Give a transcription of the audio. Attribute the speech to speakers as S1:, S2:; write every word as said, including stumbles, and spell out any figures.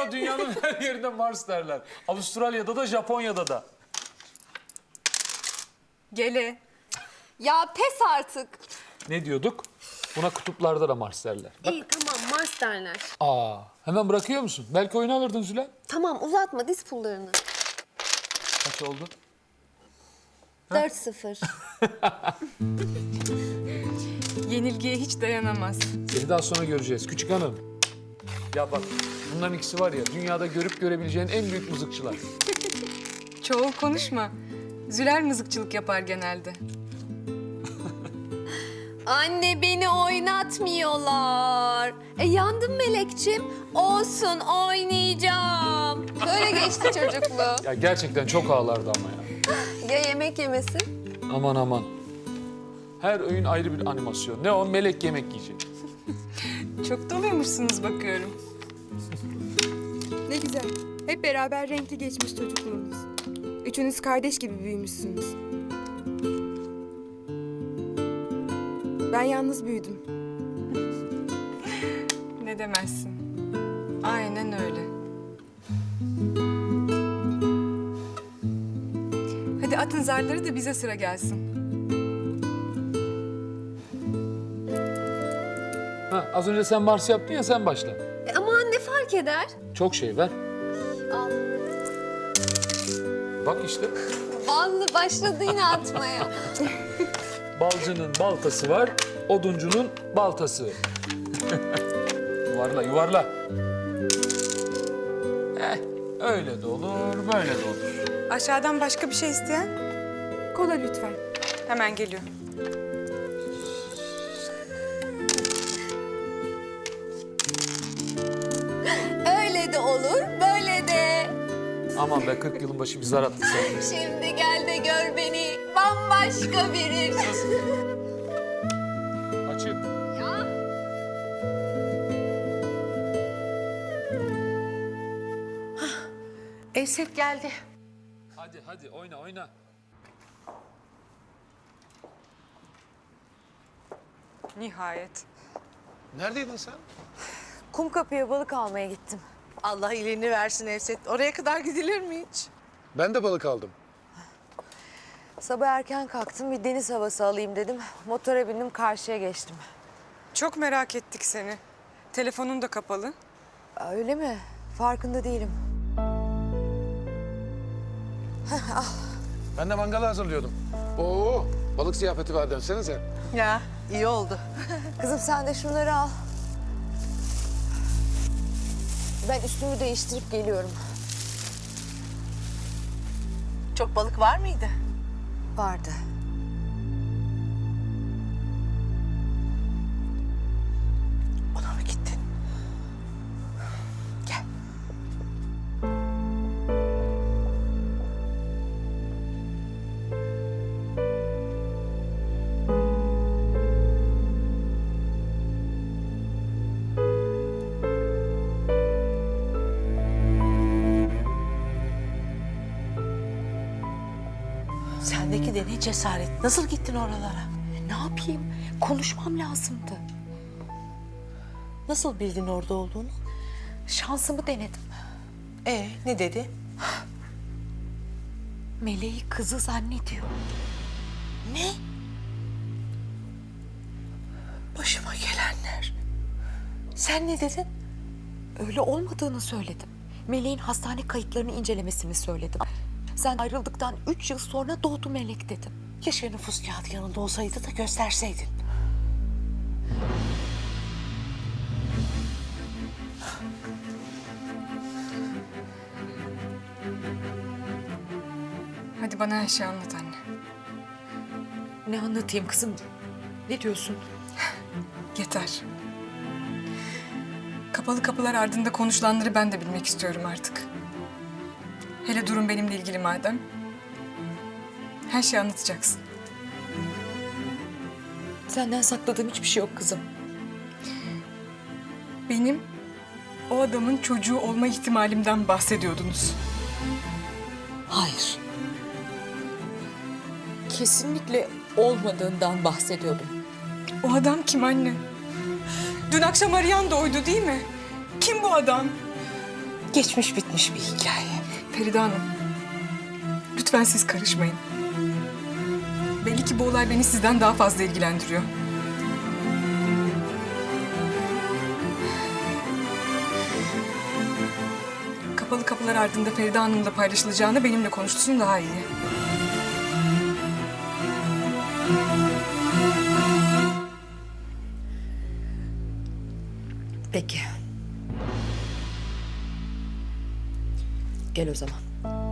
S1: Vallahi dünyanın her yerinde Mars derler. Avustralya'da da Japonya'da da.
S2: Gele.
S3: Ya pes artık.
S1: Ne diyorduk? Buna kutuplarda da Mars derler. Bak.
S3: İyi tamam Mars derler.
S1: Aa, hemen bırakıyor musun? Belki oyunu alırdın Zülen.
S3: Tamam uzatma diz pullarını.
S1: Kaç oldu?
S3: dört sıfır.
S2: Yenilgiye hiç dayanamaz.
S1: Seni daha sonra göreceğiz küçük hanım. Ya bak bunların ikisi var ya dünyada görüp görebileceğin en büyük mızıkçılar.
S2: Çoğul konuşma. Zülal mızıkçılık yapar genelde.
S3: Anne beni oynatmıyorlar. E yandım Melekçim. Olsun oynayacağım. Böyle geçti çocukluğu.
S1: Ya gerçekten çok ağlardı ama ya.
S3: Ya yemek yemesin?
S1: Aman aman. Her öğün ayrı bir animasyon. Ne o? Melek yemek yiyecek.
S2: Çok doluymuşsunuz bakıyorum.
S4: Ne güzel. Hep beraber renkli geçmiş çocukluğunuz. Üçünüz kardeş gibi büyümüşsünüz. Ben yalnız büyüdüm.
S2: Ne demezsin. Aynen öyle. Hadi atın zarları da bize sıra gelsin.
S1: Ha, az önce sen Mars yaptın ya sen başla.
S3: E aman ne fark eder?
S1: Çok şey ver.
S3: Al.
S1: Bak işte.
S3: Ballı başladı yine atmaya.
S1: Balcının baltası var, oduncunun baltası. Yuvarla, yuvarla. Eh, öyle de olur, böyle de olur.
S2: Aşağıdan başka bir şey isteyen?
S4: Kola lütfen.
S2: Hemen geliyor.
S3: Öyle de olur, böyle de.
S1: Aman be kırk yılın başı bir zar attı sen.
S3: Şimdi gel de gör beni bambaşka biri.
S1: Açık.
S3: Ya.
S5: Esef geldi.
S1: Hadi hadi oyna oyna.
S2: Nihayet.
S6: Neredeydin sen?
S5: Kumkapı'ya balık almaya gittim. Allah iyiliğini versin Esef. Oraya kadar gidilir mi hiç?
S6: Ben de balık aldım.
S5: Sabah erken kalktım, bir deniz havası alayım dedim. Motora bindim, karşıya geçtim.
S2: Çok merak ettik seni. Telefonun da kapalı.
S5: Aa, öyle mi? Farkında değilim.
S6: Ben de mangalı hazırlıyordum. Oo, balık ziyafeti var dönsenize.
S5: Ya, iyi oldu. Kızım sen de şunları al. Ben üstümü değiştirip geliyorum.
S7: Çok balık var mıydı?
S5: Vardı.
S7: Ona mı gittin? Gel. Sendeki de ne cesaret. Nasıl gittin oralara?
S5: Ne yapayım? Konuşmam lazımdı.
S7: Nasıl bildin orada olduğunu?
S5: Şansımı denedim.
S7: Ee, ne dedi?
S5: Meleği kızı zannediyor.
S7: Ne? Başıma gelenler. Sen ne dedin?
S5: Öyle olmadığını söyledim. Meleğin hastane kayıtlarını incelemesini söyledim. Sen ayrıldıktan üç yıl sonra doğdu Melek dedim.
S7: Keşke nüfus kağıdı yanında olsaydı da gösterseydin.
S2: Hadi bana her şeyi anlat anne.
S5: Ne anlatayım kızım? Ne diyorsun?
S2: Yeter. Kapalı kapılar ardında konuşulanları ben de bilmek istiyorum artık. Hele durum benimle ilgili madem. Her şeyi anlatacaksın.
S5: Senden sakladığım hiçbir şey yok kızım.
S2: Benim o adamın çocuğu olma ihtimalimden bahsediyordunuz.
S5: Hayır. Kesinlikle olmadığından bahsediyordum.
S2: O adam kim anne? Dün akşam arayan da oydu değil mi? Kim bu adam?
S7: geçmiş bitmiş bir hikaye.
S2: Feride Hanım, lütfen siz karışmayın. Belli ki bu olay beni sizden daha fazla ilgilendiriyor. Kapalı kapılar ardında Feride Hanım'la paylaşılacağını benimle konuşsun daha iyi.
S5: Peki. Gel o zaman.